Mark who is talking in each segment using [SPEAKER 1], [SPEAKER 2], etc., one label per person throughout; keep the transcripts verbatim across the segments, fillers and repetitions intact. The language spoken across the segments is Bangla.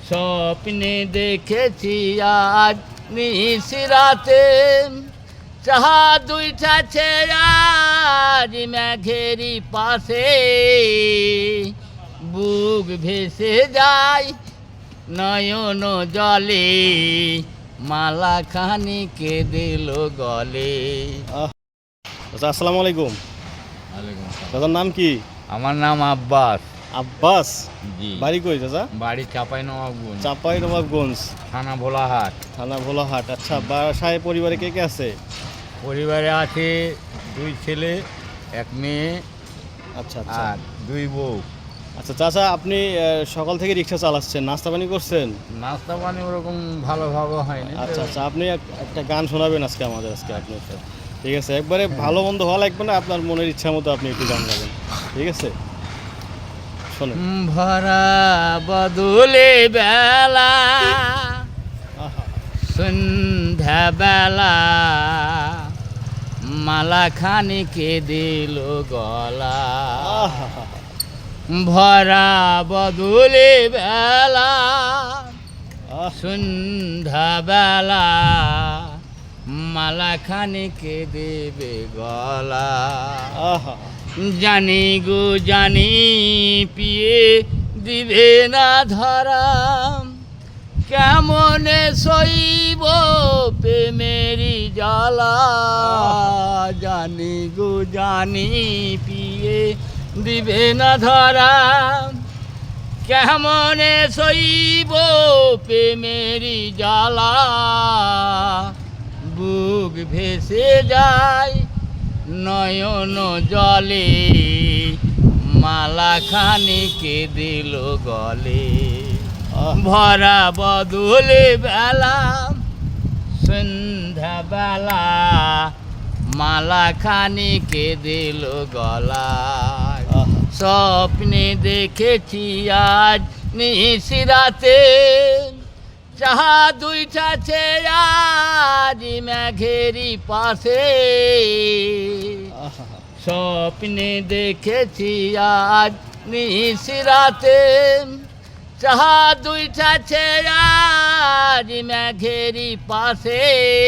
[SPEAKER 1] স্বপ্নে দেখেছি আজ নিশিরাতে চাঁদ উঠেছে আজ মেঘেরই পাশে, বুক ভেসে যায় নয়ন জলে, মালা খানিকে দিল গলে।
[SPEAKER 2] আচ্ছা, আসসালামু আলাইকুম। দাদার নাম কি?
[SPEAKER 1] আমার নাম আব্বাস।
[SPEAKER 2] আব্বাস,
[SPEAKER 1] জি।
[SPEAKER 2] বাড়ি কই দাদা?
[SPEAKER 1] বাড়ি চাপাই নবাবগঞ্জ,
[SPEAKER 2] চাপাই নবাবগঞ্জ,
[SPEAKER 1] থানা ভোলাহাট।
[SPEAKER 2] থানা ভোলাহাট। আচ্ছা, বাসায় পরিবারে কে কে আছে?
[SPEAKER 1] পরিবারে আছে দুই ছেলে, এক মেয়ে,
[SPEAKER 2] আচ্ছা আচ্ছা
[SPEAKER 1] আর দুই বউ।
[SPEAKER 2] আচ্ছা চাচা, আপনি আহ, সকাল থেকে রিক্সা চালাচ্ছেন, নাস্তা পানি করছেন?
[SPEAKER 1] নাস্তা পানি ওরকম ভালোভাবে হয়নি।
[SPEAKER 2] আচ্ছা আচ্ছা, আপনি এক- একটা গান শোনাবেন আজকে আমাদের আজকে আপনি একটা। ঠিক আছে, একবারে ভালো মন্দ হওয়া লাগবে না, আপনার মনের ইচ্ছা মতো আপনি একটু গান গাবেন, ঠিক আছে? শোনেন।
[SPEAKER 1] ভরা বদলে বেলা,
[SPEAKER 2] আহা,
[SPEAKER 1] সন্ধ্যা বেলা, মালা খানিকে দিল গলা।
[SPEAKER 2] আহা,
[SPEAKER 1] ভরা বদলে বেলা,
[SPEAKER 2] আহ,
[SPEAKER 1] সন্ধ্যা বেলা, মালা খানিকে দেবে গলা।
[SPEAKER 2] আহা,
[SPEAKER 1] জানি গো জানি পিয়ে দিবে না ধরা, কেমনে সইব প্রেমেরি জ্বালা। জানি গো জানি পিয়ে দিবে না ধরা, কেমনে সইব প্রেমেরি জ্বালা। বুক ভেসে যায় নয়ন জলে, মালা খানিকে দিল গলে।
[SPEAKER 2] আহ,
[SPEAKER 1] ভরা বদলে বেলা, সন্ধ্যা বেলা, মালা খানিকে দিল গলায়।
[SPEAKER 2] আহা,
[SPEAKER 1] স্বপ্নে দেখেছি আজ নিশিরাতে চাঁদ উঠেছে আজ মেঘেরই পাশে।
[SPEAKER 2] আহা,
[SPEAKER 1] স্বপ্নে দেখেছি আজ নিশিরাতে চাঁদ উঠেছে আজ মেঘেরই পাশে,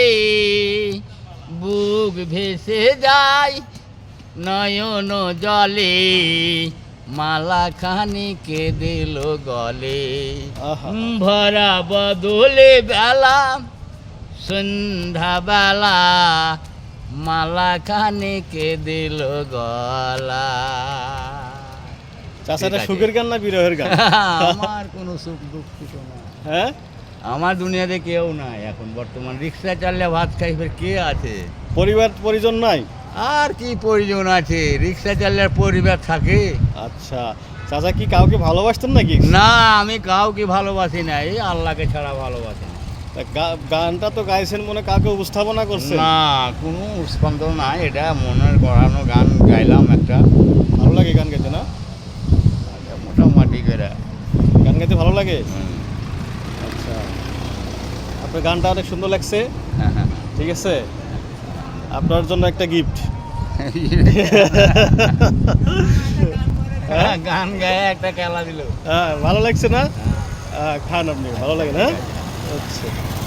[SPEAKER 1] বুক ভেসে যায় নয়ন জলে, মালা খানিকে দিল গলে।
[SPEAKER 2] আহা,
[SPEAKER 1] ভরা বদলে বেলা, সন্ধ্যা বেলা, মালা খানিকে দিল গলা।
[SPEAKER 2] চাচা, এটা
[SPEAKER 1] ঠিক আছে।
[SPEAKER 2] সুখের গান না বিরহের গান?
[SPEAKER 1] আমার কোনো সুখ দুঃখ কিছু না।
[SPEAKER 2] হ্যাঁ,
[SPEAKER 1] আমার দুনিয়াতে কেউ নাই এখন বর্তমান। রিক্সা চাললে ভাত খাই ফের কে আছে?
[SPEAKER 2] পরিবার পরিজন নাই?
[SPEAKER 1] আর কি প্রয়োজন আছে? রিক্সা চাললে আর পরিবার থাকে?
[SPEAKER 2] আচ্ছা চাচা, কি কাউকে ভালোবাসতেন নাকি?
[SPEAKER 1] না, আমি কাউকে ভালোবাসি না, এই আল্লাহকে ছাড়া ভালোবাসি না।
[SPEAKER 2] তা গা- গানটা তো গাইছেন, মনে কাউকে উপস্থাপনা করছেন?
[SPEAKER 1] না, কোনো স্পন্দ নাই, এটা মনের গড়ানো গান গাইলাম একটা।
[SPEAKER 2] ভালো লাগে গান গাইতে না?
[SPEAKER 1] একটা মোটামুটি করে।
[SPEAKER 2] গান গাইতে ভালো লাগে?
[SPEAKER 1] হুম।
[SPEAKER 2] আচ্ছা, আপনার গানটা অনেক সুন্দর লাগছে, ঠিক আছে? আপনার জন্য একটা গিফট।
[SPEAKER 1] হ্যাঁ, গান গায়ে একটা খেলা দিল।
[SPEAKER 2] হ্যাঁ, ভালো লাগছে না? হ্যাঁ, খান আপনি, ভালো লাগে না? আচ্ছা।